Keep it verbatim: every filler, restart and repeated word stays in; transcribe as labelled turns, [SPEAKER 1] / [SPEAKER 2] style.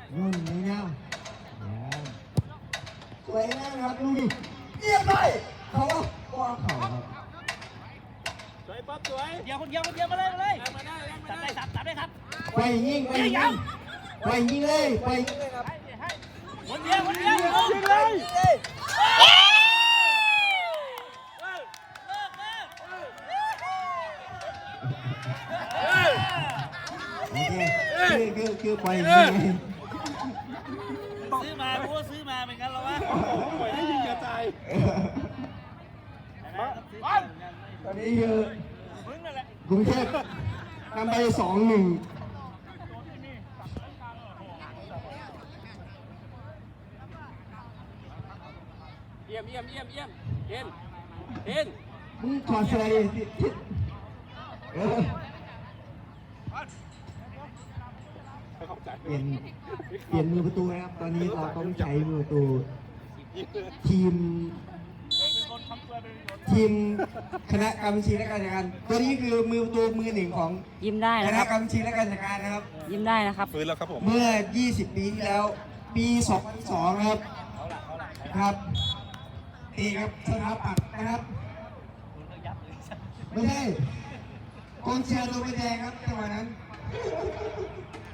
[SPEAKER 1] นุ่นไม่เงาสวยงามครับดูดิเรียบร้อยเขาว่าเขาครับ
[SPEAKER 2] สวยป๊อปสวย
[SPEAKER 3] เดียวคนเดียวคนเดียวมาเลยมาเลย
[SPEAKER 2] มาได้มา
[SPEAKER 3] ตัด
[SPEAKER 2] ได้
[SPEAKER 3] ได้ตัดตัดได้ครับ
[SPEAKER 1] ไปยิงไปยิงไปยิงเลยไปยิงเลยครับ
[SPEAKER 3] คนเดียวคนเดียวยิงเลย
[SPEAKER 1] โอเคคือคือคือไปยิงเลย
[SPEAKER 3] ซื้อมาเพราะว่าซื้อมาเป็นงั้นหรอวะ
[SPEAKER 2] ปล่อยให้ยิงกระจาย
[SPEAKER 1] ตอนนี้คือกรุงเทพนำไปสองหนึ่ง
[SPEAKER 2] เยี่ยมเยี่ยมเยี่ยมเยี่ยมเห็นเห็น
[SPEAKER 1] มึงถอดเสื้อดิเออเปลี่ยนเปลี่ยนมือประตูนะครับตอนนี้เราต้องใช้มือประตูทีมทีมคณะกรรมการและการจัดการตัวนี้คือมือประตูมือหนึ่งของ
[SPEAKER 4] ยิ้มได้
[SPEAKER 1] ค
[SPEAKER 4] นะ
[SPEAKER 1] ณะ
[SPEAKER 4] ครับ
[SPEAKER 1] กรรมการและการจัดการนะครับ
[SPEAKER 4] ยิ้มได้นะครับ
[SPEAKER 2] ฟื้นแล้วครับผม
[SPEAKER 1] เมื่อ ยี่สิบ ปีที่แล้ว ปี สองพันสอง ครับครับตีครับสถาปัตย์นะครับไม่ใช่กองเชียร์ตัวไม่แดงครับจังหวะนั้น